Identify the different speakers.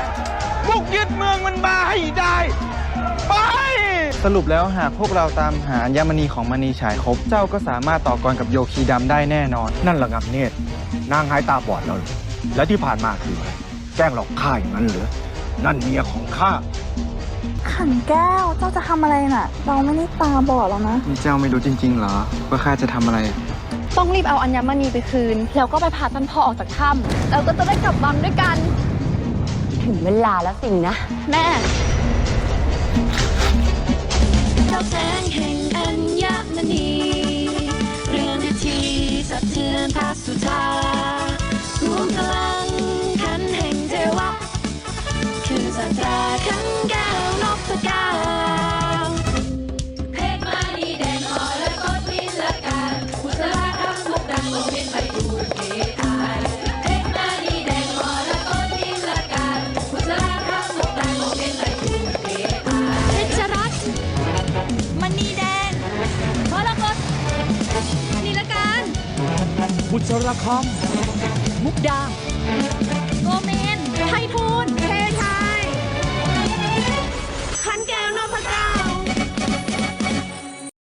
Speaker 1: บุกยึดเมืองมันมาให้ได้ไปสรุปแล้วหากพวกเราตามหาอัญมณีของมณีฉายครบเจ้าก็สามารถต่อกรกับโยคีดำได้แน่นอน
Speaker 2: นั่นระงับเนตรนางหายตาบอดแล้วเหรอและที่ผ่านมาคืออะไรแกล้งหลอกข้าอย่างนั้นเหรอนั่นเมียของข้า
Speaker 3: ขันแก้วเจ้าจะทำอะไรน่ะเราไม่ได้ตาบอดแล้วนะ
Speaker 1: นี่เจ้าไม่รู้จริงๆเหรอว่าข้าจะทำอะไร
Speaker 3: ต้องรีบเอาอัญมณีไปคืนแล้วก็ไปพาท่านพ่อออกจากถ้ำแล้วก็จะได้กลับวังด้วยกัน
Speaker 4: ถึงเวลาแล้วสินะ
Speaker 3: แม่
Speaker 5: เจ้าแสงแห่งอัญมณีเรือนนาทีสะเทือนพระสุธารวมพลังขันแห่งเทวะคือสัตราขันแก้วนพเก้าเพชรมณีแดงอ่อนและกดวิลการบุษราคำมุกดังลงเวียนไปดูเกอายเพชรมณีแดงอ่อนและกดวิลการบุษราคำมุกดังลงเวียนไปดูเกอายเพชรรัตน์มณีแดงมรกตนิลการ
Speaker 2: บุษราค
Speaker 5: ำมุกดาโกเมนไททู